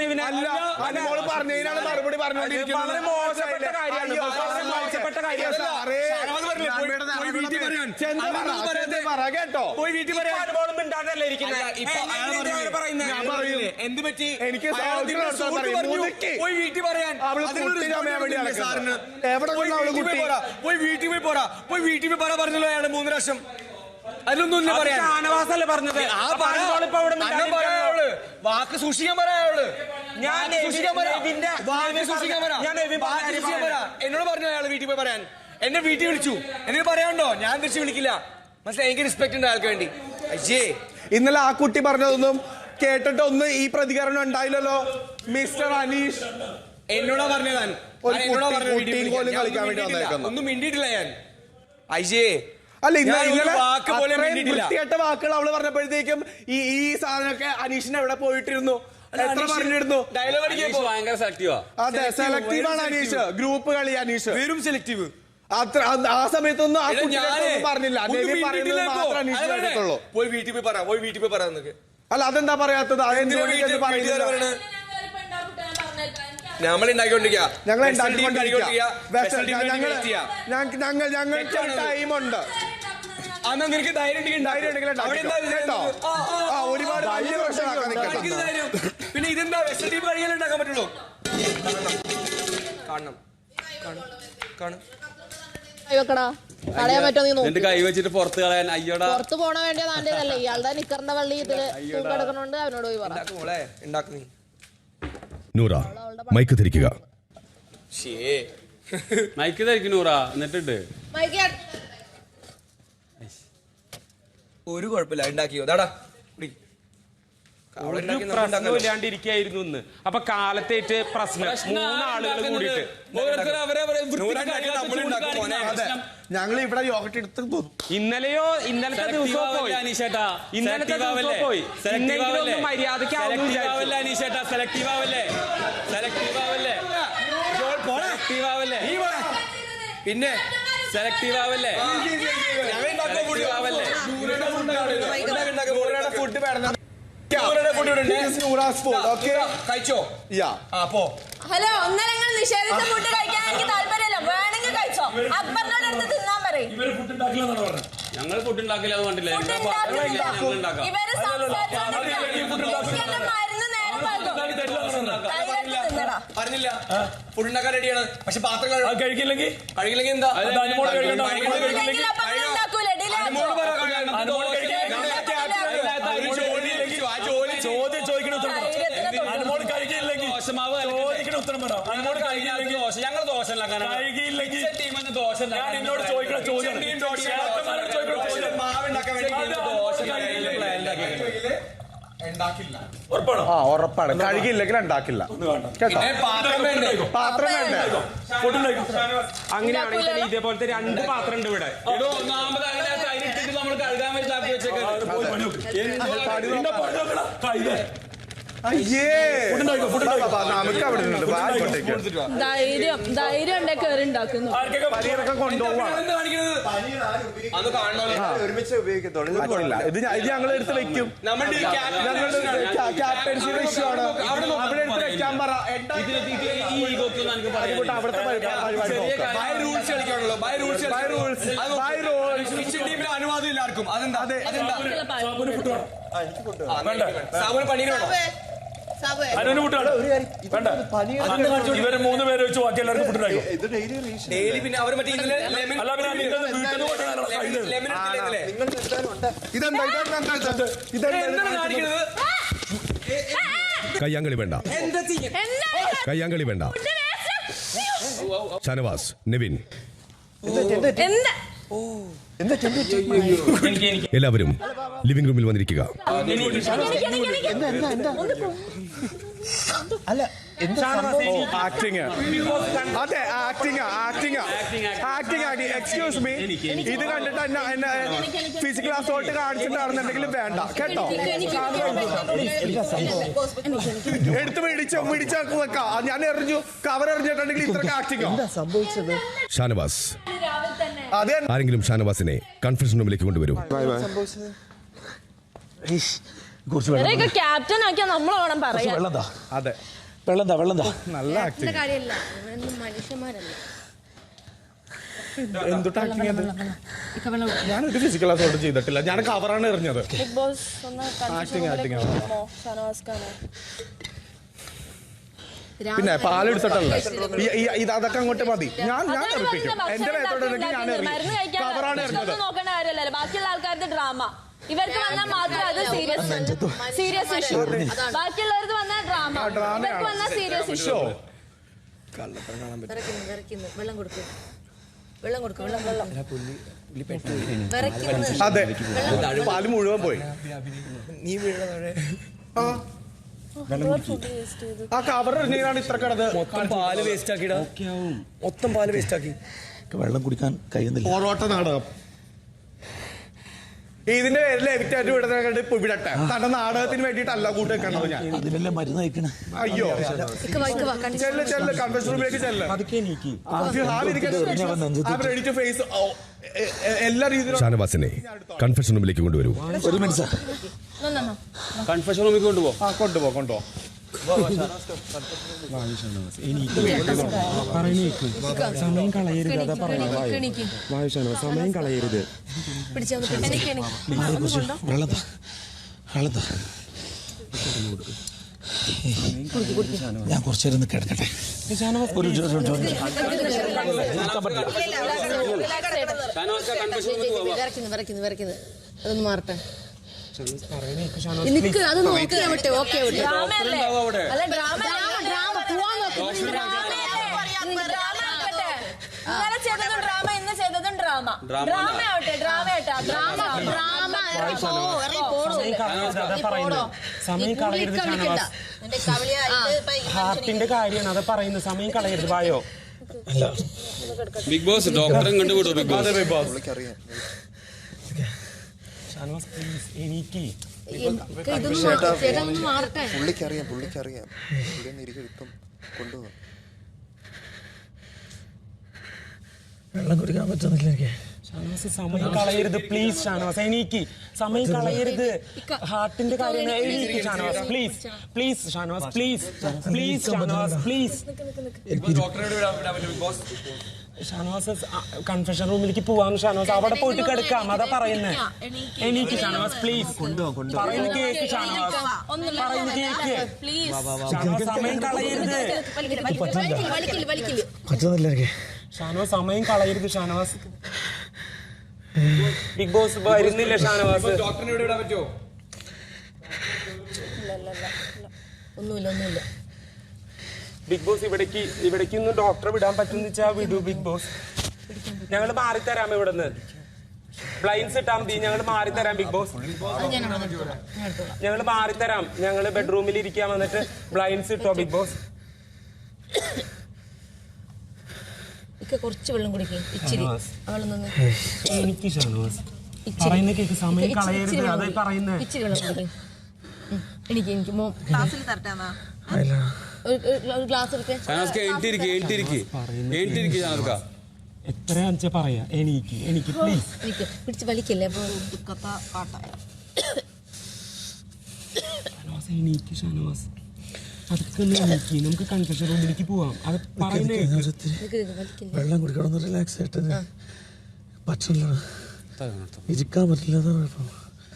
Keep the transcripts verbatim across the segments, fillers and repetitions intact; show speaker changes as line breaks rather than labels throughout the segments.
അനുമോള് പറഞ്ഞതിനാണ് മറുപടി പറഞ്ഞുകൊണ്ടിരിക്കുന്നത്.
മോശപ്പെട്ട കാര്യമാണ്. മോശപ്പെട്ട കാര്യമാണ്
കേട്ടോ.
പോയി വീട്ടിൽ പറയാൻ എന്ത് പറ്റി? എനിക്ക് പോയി വീട്ടിൽ പറയാൻ പോയി വീട്ടിൽ പോയി പോരാ പോയി വീട്ടിൽ പോയി പറ പറഞ്ഞല്ലോ അയാള് മൂന്ന് ലക്ഷം. അതിലൊന്നും പറയാൻ ഷാനവാസല്ലേ പറഞ്ഞത്. ആ പറയാള് വാക്ക് സൂക്ഷിക്കാൻ പറയാള്. ഞാൻ എന്നോട് പറഞ്ഞു അയാള് വീട്ടിൽ പോയി പറയാൻ. എന്നെ വീട്ടിൽ വിളിച്ചു. എന്നിട്ട് പറയാണ്ടോ ഞാൻ തിരിച്ച് വിളിക്കില്ല. മനസ്സിലായി? എനിക്ക് റെസ്പെക്ട് ഉണ്ട് ആൾക്ക് വേണ്ടി. അയ്യേ
ഇന്നലെ ആ കുട്ടി പറഞ്ഞതൊന്നും കേട്ടിട്ടൊന്നും ഈ പ്രതികരണം ഉണ്ടായില്ലല്ലോ. മിസ്റ്റർ അനീഷ്
എന്നോടാ പറഞ്ഞതാണ്. ഒന്നും മിണ്ടിയിട്ടില്ല ഞാൻ. അയ്യേ
അല്ല വൃത്തികെട്ട വാക്കുകൾ അവള് പറഞ്ഞപ്പോഴത്തേക്കും ഈ ഈ സാധനമൊക്കെ അനീഷിന് എവിടെ പോയിട്ടിരുന്നു, എത്ര പറഞ്ഞിരുന്നു.
ഭയങ്കര സെലക്റ്റീവാ.
അതെ, സെലക്റ്റീവാണ് അനീഷ്. ഗ്രൂപ്പ് കളി അനീഷ്
വെറും സെലക്റ്റീവ്.
അത്ര ആ സമയത്തൊന്നും ആ പറഞ്ഞില്ല.
പോയി വീട്ടിൽ പോയി പറ പോയി വീട്ടിൽ പോയി പറയാന്നൊക്കെ.
അല്ല അതെന്താ പറയാത്തത്?
നമ്മൾ ഉണ്ടാക്കിക്കൊണ്ടിരിക്കുക.
ഞങ്ങൾ ഞങ്ങൾ ഞങ്ങൾക്ക് ടൈമുണ്ട്.
അന്നാ നിനക്ക് ധൈര്യം
കേട്ടോ. ഒരുപാട് വലിയ പ്രശ്നമാക്കാൻ.
പിന്നെ ഇതെന്താ വെസ്റ്റേൺ ടീം കഴിയാൻ ഉണ്ടാക്കാൻ പറ്റുള്ളൂ. കാണണം കാണണം
കൈ വെച്ചിട്ട് പുറത്ത് കളയാൻ. അയ്യോടാ
പുറത്ത് പോണ വേണ്ടിയ നാണ്ടല്ലേ ഇയാളുടെ നിക്കറിന്റെ വള്ളി ഇതില് കിടക്കണോണ്ട് അവനോട് പോയി പറയാം.
നൂറ മൈക്ക് ധരിക്കുക.
മൈക്ക് ധരിക്കും നൂറ. എന്നിട്ടുണ്ട്
ഒരു കുഴപ്പമില്ല ഉണ്ടാക്കിയോ ദാടാ.
പ്രശ്നമില്ലാണ്ടിരിക്കായിരുന്നു ഇന്ന്. അപ്പൊ കാലത്തേറ്റ് പ്രശ്നം മൂന്നാളുകൾ കൂടിയിട്ട്
ഞങ്ങൾ ഇവിടെ യോഗട്ട് എടുത്ത്
ഇന്നലെയോ ഇന്നലത്തെ ദിവസം പോയി ഇന്നലത്തെ ദിവസം പോയി മര്യാദയ്ക്ക്
അനീഷേട്ടാ സെലക്റ്റീവ് ആവല്ലേ സെലക്റ്റീവ് ആവല്ലേ സെലക്റ്റീവ് ആവല്ലേ പിന്നെ സെലക്റ്റീവ് ആവല്ലേ ആവല്ലേ
ഫുഡ്
കഴിച്ചോ?
ഹലോ ഒന്നര നിങ്ങൾ നിഷേധിച്ച ഫുഡ് കഴിക്കാൻ എനിക്ക് താല്പര്യമില്ല. വേണമെങ്കിൽ കഴിച്ചോ. അക്ബറിനോട് എടുത്ത് തിന്നാൻ പറയും.
ഞങ്ങൾ ഫുഡ് ഉണ്ടാക്കില്ല. അത് കണ്ടില്ല.
ഇവര് മരുന്ന് നേരം
പറഞ്ഞില്ല ഫുഡ് ഉണ്ടാക്കാൻ റെഡിയാണ്. പക്ഷെ പാത്രങ്ങൾ കഴിക്കില്ലെങ്കിൽ കഴിക്കില്ലെങ്കിൽ എന്താ ചോദ്യം ചോദിക്കണം. അനുമോള് കഴിക്കില്ലെങ്കിൽ ഉത്തരം പറ. അനുമോള് കഴിക്കില്ലെങ്കിൽ ദോശ ഞങ്ങൾ ദോശ കഴിക്കില്ലെങ്കിൽ ടീമിന് ദോശ എന്നോട് ചോദിക്കണം. ചോദ്യം മാവുണ്ടാക്കാൻ വേണ്ടി ദോശ
ഉറപ്പാണ്. കഴുകിയില്ലെങ്കിൽ ഉണ്ടാക്കില്ല. പാത്രം വേണ്ടേ?
അങ്ങനെയാണെങ്കിൽ ഇതേപോലത്തെ രണ്ട് പാത്രം ഉണ്ട് ഇവിടെ.
നമ്മൾ കഴുകാൻ വേണ്ടി ആക്കി വെച്ചേക്കാം.
ധൈര്യം ധൈര്യം ഉണ്ടെ കയറി ഉണ്ടാക്കുന്നു.
ഇത് ഞങ്ങൾ എടുത്ത് വെക്കും. ക്യാപ്റ്റൻസിയുടെ ഇഷ്യൂ ആണ്. അവിടെ എടുത്ത് വെക്കാൻ പറ.
അനുവാദം ഇല്ലാർക്കും. അതെന്താ സാബുന് പണീരാണോ?
ഇവര് മൂന്ന് പേര് വെച്ച് ബാക്കി എല്ലാവർക്കും ഫുഡ് ഉണ്ടാക്കും.
ഡെയിലി പിന്നെ അവർ മറ്റേ
കയ്യാങ്കളി വേണ്ട, കയ്യാങ്കളി വേണ്ട. ഷാനവാസ്, നിവിൻ, എല്ലാവരും ലിവിംഗ് റൂമിൽ വന്നിരിക്കുക.
ആക്ടിങ് അതെ acting acting acting acting excuse me. ഇത് കണ്ടിട്ട് എന്നെ എന്നെ ഫിസിക്കൽ അസോൾട്ട് കാണിച്ചിട്ടാണെന്നുണ്ടെങ്കിലും വേണ്ട കേട്ടോ. എടുത്ത് പിടിച്ചോ പിടിച്ചോ വെക്കാം. ഞാൻ എറിഞ്ഞു കവർ എറിഞ്ഞിട്ടുണ്ടെങ്കിൽ ഇത്ര ആക്ടിങ് സംഭവിച്ചത്.
ഷാനവാസ്, ആരെങ്കിലും ഷാനവാസിനെ കൺഫറൻസ് റൂമിലേക്ക് കൊണ്ടുവരൂ.
കുറച്ച് വെള്ളം
ഇവരെയൊക്കെ ക്യാപ്റ്റൻ ആക്കിയാ നമ്മൾ വേണം പറയാൻ.
വെള്ളം താ
അതെ
വെള്ളം താ വെള്ളം താ
നല്ല ആക്ടിങ്.
കാര്യമില്ല, മനുഷ്യന്മാരല്ല.
എന്തുട്ട് ആക്ടിങ് അത്? ഞാനൊരു ഫിസിക്കൽ അസോൾട്ട് ചെയ്തിട്ടില്ല, ഞാൻ കവറാണ് എറിഞ്ഞത്.
ബിഗ് ബോസ് ഒന്ന്
ആക്ടിങ് ആക്ടിങ് ആണ്.
ഷാനവാസ് ഖാനെ
പിന്നെ പാലെടുത്തിട്ടല്ലേ ഇത്, അതൊക്കെ അങ്ങോട്ട് മതി. ഞാൻ ഞാൻ എറിപ്പിക്കും, എന്റെ മേത്തോടെങ്കിൽ ഞാൻ എറിയും. കവറാണ് എറിഞ്ഞത്.
നോക്കേണ്ട കാര്യമല്ലല്ലോ ബാക്കിയുള്ള ആൾക്കാരുടെ ഡ്രാമ. ഇവർക്ക് വന്നാൽ മാത്രം അത് സീരിയസ് സീരിയസ് ഇഷ്യൂ. ബാക്കിയുള്ളവർക്ക് വന്നാൽ ഡ്രാമ, ഇവർക്ക് വന്നാൽ സീരിയസ് ഇഷ്യൂ.
വെള്ളം കൊടുക്കും വെള്ളം കൊടുക്കും വെള്ളം വെള്ളം
അതെ, പാല് മുഴുവൻ പോയി.
നീ വീഴ
ആ കവർ എറിഞ്ഞാണ് ഇത്ര കിടത്.
മൊത്തം പാല് വേസ്റ്റ് ആക്കിടാ, മൊത്തം പാല് വേസ്റ്റ് ആക്കി.
വെള്ളം കുടിക്കാൻ കഴിയുന്നില്ല.
ഓടോട്ട നാടകം. ഇതിന്റെ പേരിൽ എവിക്റ്റായിട്ട് വിടുന്ന കണ്ട് ഇപ്പൊ വിടട്ടെ. തന്റെ നാടകത്തിന് വേണ്ടിയിട്ടല്ല കൂട്ട് വെക്കണത് ഞാൻ.
അതിനല്ലേ മരുന്ന് കഴിക്കണേ.
അയ്യോ ചെല്ല് ചെല്ല് കൺവെൻഷൻ റൂമിലേക്ക് ചെല്ല്. റെഡി ടു ഫേസ് എല്ലാ രീതിയിലും.
ഷാനവാസിനെ കൺഫെഷൻ റൂമിലേക്ക് കൊണ്ടുവരൂ.
ഒരു മിനിറ്റ് സാർ.
കൺഫെഷൻ റൂമിൽ കൊണ്ടുപോ.
ആ കൊണ്ടുപോ കൊണ്ടുപോ.
സമയം കളയരുത്, അതാ പറയുന്നത്. സമയം കളയരുത്.
വെള്ളം താ വെള്ളം താ. ഞാൻ കുറച്ചു നേരം കിടക്കട്ടെ. ഒരു ജോ- ജോ- ജോ- നിൽക്കാൻ പറ്റില്ല.
വിറയ്ക്കുന്നു വിറയ്ക്കുന്നു വിറയ്ക്കുന്നത് അതൊന്ന് മാറട്ടെ. നിക്ക് അത് നോക്കിയാ വിട്ടെ. ഓക്കെ വിട്ടെ.
ഡ്രാമയല്ലേ? അല്ല ഡ്രാമ
ഡ്രാമ പോവാൻ നോക്കും.
ഇന്നലെ ചെയ്തതും ഡ്രാമ, ഇന്ന് ചെയ്തതും ഡ്രാമ. ഡ്രാമ ആവട്ടെ, ഡ്രാമ ആവട്ടെ. ഡ്രാമ
ഡ്രാമ ഇറങ്ങി പോ ഇറങ്ങി പോടോ.
സമയം കളയരുത് ഷാനവാസ്.
എന്റെ കവളിയായിട്ട്
ഹാർട്ടിന്റെ കാര്യമാണ് അത് പറയുന്നത്. സമയം കളയരുത്. വായോ
ബിഗ് ബോസ് ഡോക്ടറെ കണ്ടുവിടോ. ബിഗ് ബോസ്
ഷാനവാസ് പ്ലീസ് എനിക്ക്
ഇതൊന്ന് ചേട്ടാ ഒന്ന് മാറട്ടെ.
പുള്ളിക്കറിയാം പുള്ളിക്കറിയാം പുള്ളി ഒന്ന് ഇരിക്കും കൊണ്ടുപോകാം.
വെള്ളം കുടിക്കാൻ പറ്റുന്നില്ല എനിക്ക്.
ഷാനവാസ് സമയം കളയരുത് പ്ലീസ്. ഷാനവാസ് എനിക്ക് സമയം കളയരുത്. ഹാർട്ടിന്റെ കാര്യം എനിക്ക്. Shanavas please please. Shanavas please please. Shanavas please. Shanavas confession റൂമിലേക്ക് പോവാം. ഷാനവാസ് അവിടെ പോയിട്ട് കിടക്കാം, അതാ പറയുന്നത്. എനിക്ക് ഷാനവാസ് പ്ലീസ് പറയുന്ന കേക്ക്. ഷാനവാസ് പറയുന്ന കേക്ക്. ഷാനവാസ് സമയം കളയരുത്.
വലിക്കില്ല വലിക്കില്ല.
പറ്റുന്നില്ല എനിക്ക്.
ഷാനവാസ് സമയം കളയരുത്. ഷാനവാസ് ബിഗ് ബോസ് വരുന്നില്ല. ഷാനവാസ്
ഡോക്ടറിനെ ഇവിടെ വിടാൻ പറ്റുമോ?
ഒന്നുമില്ല ഒന്നുമില്ല.
ബിഗ് ബോസ് ഇവിടേക്ക് ഇവിടേക്ക് ഒന്ന് ഡോക്ടറെ വിടാൻ പറ്റുന്ന വെച്ചാൽ വിടൂ ബിഗ് ബോസ്. ഞങ്ങൾ മാറിത്തരാം ഇവിടുന്ന്. ബ്ലൈൻഡ്സ് ഇട്ടാൽ മതി. ഞങ്ങൾ മാറിത്തരാം ബിഗ് ബോസ്. ഞങ്ങൾ മാറിത്തരാം. ഞങ്ങൾ ബെഡ്റൂമിൽ ഇരിക്കാൻ വന്നിട്ട് ബ്ലൈൻഡ്സ് ഇട്ടോ ബിഗ് ബോസ്.
ഇക്ക കുറച്ച് വെള്ളം കുടിക്കും ഇച്ചിരി. അവള് നിന്ന്
എനിക്ക് ഷാനവാസ് പറയുന്ന കേക്ക്. സമയം കളയരുത്, അതായി പറയുന്നത്.
ഇച്ചിരി വെള്ളം കുടിക്കും. എനിക്ക് എനിക്ക് മോ
ക്ലാസ്സിൽ തരട്ടാ.
ഒരു ഗ്ലാസ് എടുത്തേ.
ഷാനവാസ്ക എഴുതിരിക്കും എഴുതിരിക്കും എഴുതിരിക്കും ഷാനവാസ്ക.
എത്രയാണെന്ന് വെച്ചാൽ പറയാ. എനിക്ക് എനിക്ക് പ്ലീസ്.
എനിക്ക് പിടിച്ച് വലിക്കല്ലേ. അപ്പൊ
ഷാനവാസ് എനിക്ക്. ഷാനവാസ് അതൊക്കെ ഒന്ന് എനിക്ക്. നമുക്ക് കൺഫെഷൻ റൂമിലേക്ക് പോവാം. അത് പറയുന്നേ.
വെള്ളം കുടിക്കണം ഒന്ന് റിലാക്സ് ആയിട്ട്. പറ്റില്ല, ഇരിക്കാൻ പറ്റില്ല. അതാണ് കുഴപ്പം.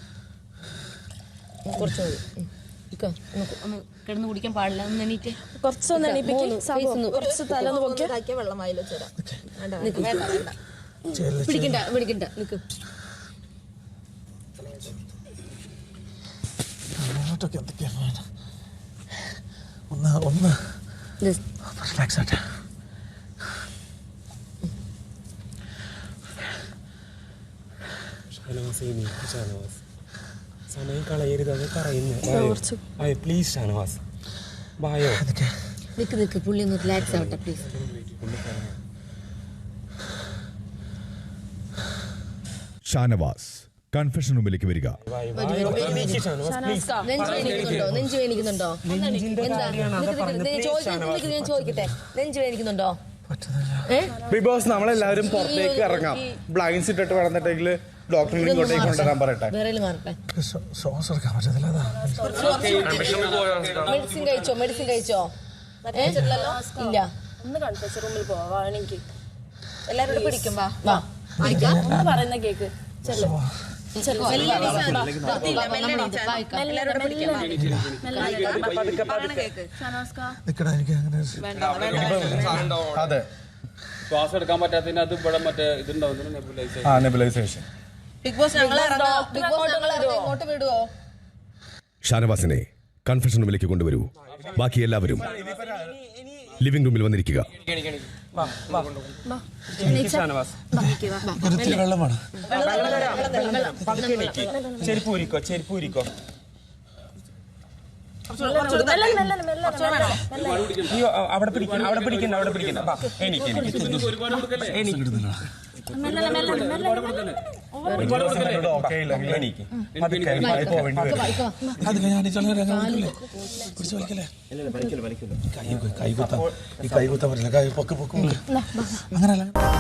കുറച്ച് കിടന്ന് കുടിക്കാൻ പാടില്ല. ഒന്ന് എണീറ്റ്
കുറച്ചൊന്ന് എണീപ്പിക്കും. കുറച്ച് തലന്ന് പൊക്കി
വെള്ളം വായിലോ ചേരാം. പിടിക്കണ്ട പിടിക്കണ്ട നിക്ക്.
അങ്ങോട്ടൊക്കെ എന്തൊക്കെയാ ഒന്ന് ഒന്ന് റിലാക്സ് ആട്ടെ.
ഷാനവാസ് എനിക്ക്. ഷാനവാസ് സമയം കളയരുത്, അത് പറയുന്നത്. പ്ലീസ് ഷാനവാസ് വായോ.
നിക്ക് നിക്ക് പുള്ളി ഒന്ന് റിലാക്സ് ആവട്ടെ പ്ലീസ്.
ഷാനവാസ് കൺഫെഷൻ റൂമിലേക്ക് വരിക.
നെഞ്ചു വേദനിക്കുന്നുണ്ടോ? ഞാൻ ചോദിക്കട്ടെ, നെഞ്ചു വേദനിക്കുന്നുണ്ടോ?
ബിഗ് ബോസ് നമ്മളെല്ലാവരും പുറത്തേക്ക് ഇറങ്ങാം. ബ്ലൈൻഡ്സ് ഇട്ടിട്ട് കിടന്നിട്ടെങ്കിൽ ഡോക്ടറിനെ ഇങ്ങോട്ടേക്ക് കൊണ്ടുവരാൻ പറയട്ടെ.
വേറെ മാറട്ടെ.
ശ്വാസം എടുക്കാൻ പറ്റത്തില്ല.
മെഡിസിൻ കഴിച്ചോ? മെഡിസിൻ കഴിച്ചോ? ഇല്ല.
ഒന്ന് കൺഫ്യൂഷൻ റൂമിൽ പോവാണെങ്കിൽ എല്ലാവരോടും പിടിക്കും. വാ
വാ
ഒന്ന് പറയുന്ന കേക്ക് ചെല്ലു.
നിക്കടാ, എനിക്ക് അങ്ങനെ
അതെ
ശ്വാസം എടുക്കാൻ പറ്റാത്തതിന് അത് ഇവിടെ മറ്റേ ഇതുണ്ടാവുന്നു നെബുലൈസേഷൻ.
ആ നെബുലൈസേഷൻ.
ബിഗ് ബോസ് ഞങ്ങളെ ബിഗ് ബോസ് ഞങ്ങളെ ഇങ്ങോട്ട് വിടുവോ?
ഷാനവാസിനെ കൺഫെഷൻ റൂമിലേക്ക് കൊണ്ടുവരൂ. ബാക്കി എല്ലാവരും ലിവിംഗ് റൂമിൽ വന്നിരിക്കുക.
ഒരുത്തിരി വെള്ളമാണ്.
ചെരുപ്പ് ഊരിക്കോ, ചെരുപ്പ് ഊരിക്കോ. അയ്യോ, അവിടെ പിടിക്കണ്ട, അവിടെ പിടിക്കണ്ട, അവിടെ പിടിക്കണ്ട. എനിക്ക് എനിക്ക്
അത് ഞാൻ പിടിച്ചു വലിക്കല്ലേ? കൈ കൈ കുത്താൻ ഈ കൈ കുത്താൻ പറ്റില്ല. കൈ പൊക്ക് പൊക്കും അങ്ങനല്ല.